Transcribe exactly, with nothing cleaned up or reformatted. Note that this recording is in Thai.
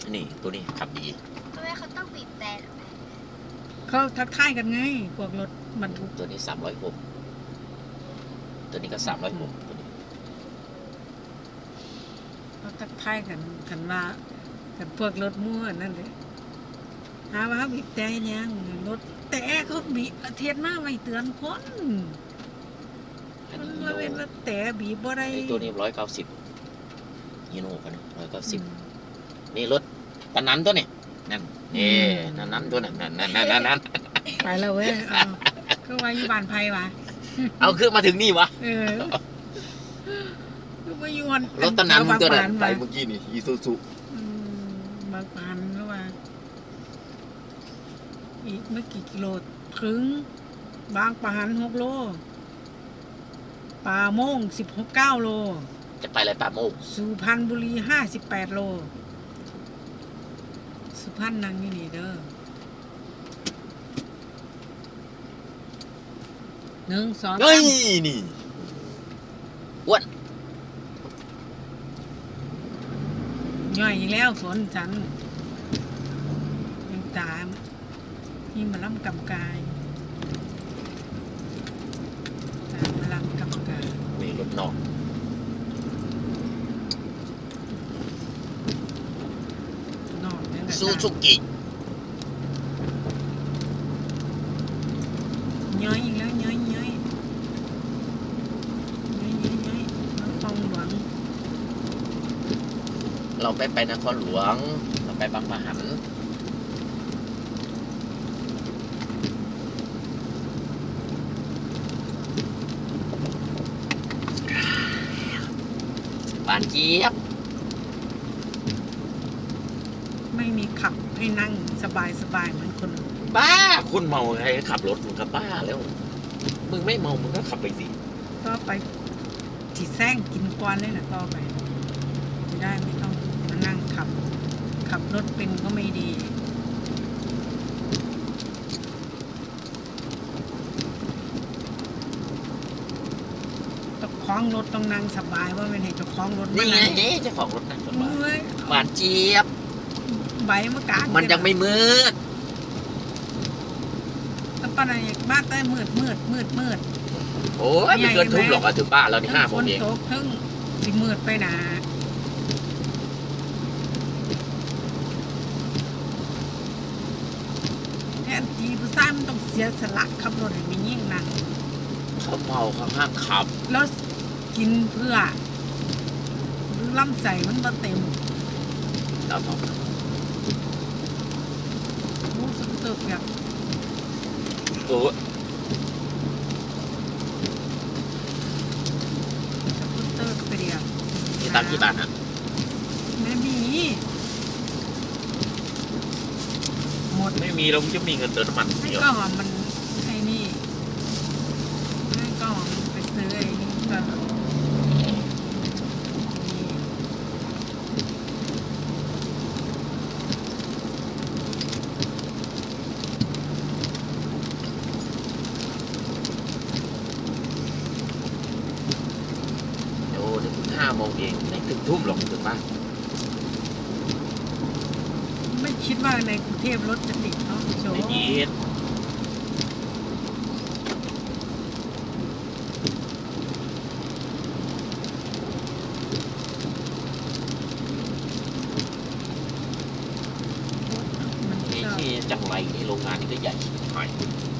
นี่ตัวนี้ขับดีทำไมเขาต้องบีบแต่เขาทักทายกันไงพวกรถบรรทุกตัวนี้สามร้อยหกตัวนี้ก็สามร้อยหกตัวนี้เขาทักทายกันกันว่ากันพวกรถมั่วนั่นเลยหาว่าบีบแต่ยังรถแต่เขาบีบเทียนมาไม่เตือนคนมันละเว้นละแต่บีบบ่ได้ตัวนี้ร้อยเก้าสิบฮีโน่กันร้อยเก้าสิบนี่รถตะนั้นตัวนี้นั่นนี่นั่นนั้นตัวนั้นนั่นนั่นนั่นนั่นไปแล้วเว้ยก็ว่าอยู่บ้านไผ่วะเอาคือมาถึงนี่วะเออก็มาอยู่วันรถตะนั้นตัวนั้นไปเมื่อกี้นี่อีซูซุบางปานแล้วว่าอีกไม่กี่กิโลถึงบางปานหกโลป่าโมงสิบหกเก้าโลจะไปอะไรป่าโมงสุพรรณบุรีห้าสิบแปดโลสุพรรณนั่งนี่นี่เด้อหนึ่งสองเฮ้ยนี่อ้วนย่อยอีกแล้วฝนฉันยังตามที่มาล่ำกำกายตามมาล่ำกำกายมีรถนอกนอกนี่แหละซูซูกิย่อยอีกแล้วย่อยย่อยย่อยย่อยย่อยนครหลวงเราไปไปนครหลวงเราไปบางปะหันบานเจี๊ยบไม่มีขับให้นั่งสบายสบายเหมือนคนบ้าคุณเมาใครขับรถมึงก็บ้าแล้วมึงไม่เมามึงก็ขับไปสิก็ไปจีแซงกินกวนเลยนะก็ไปไม่ได้ไม่ต้องมานั่งขับขับรถเป็นก็ไม่ดีเจ้าของรถต้องนั่งสบายว่าไม่ให้เจ้าของรถนี่ไงเจ้าของรถนั่งสบายหวานเจี๊ยบใบมะกางมันยังไม่มืดแล้วป้าไหนบ้านใต้มืดมืดมืดมืดโอ้ยไม่เกินทุ่มหรอกอะถึงบ้านเรานี่ห้าโมงเองฝนตกทั้งสิมืดไปหนาแทนทีผู้ชายมันต้องเสียสละขับรถให้มียิ่งนั่งเขาเมาเขาห้ามขับแล้วกินเพื่อลำใส่มันบ่เต็มเราต้องโอ้สุดเติบแบบโอ้สุดเติบเปรี้ยวมีตังกี่บาทนะไม่มีหมดไม่มีเราจะมีเงินเติมน้ำมันให้ก็หอมมันไอ้นี่ให้ก็หอมไปซื้อไอ้นี่ก็ห้าโมงเองไม่ถึงทุ่มหรอกถึงบ้านไม่คิดว่าในกรุงเทพรถจะติดเนาะโชว์ไม่ติดนี่ที่จังไรนี่โรงงานนี่ก็ใหญ่หน่อย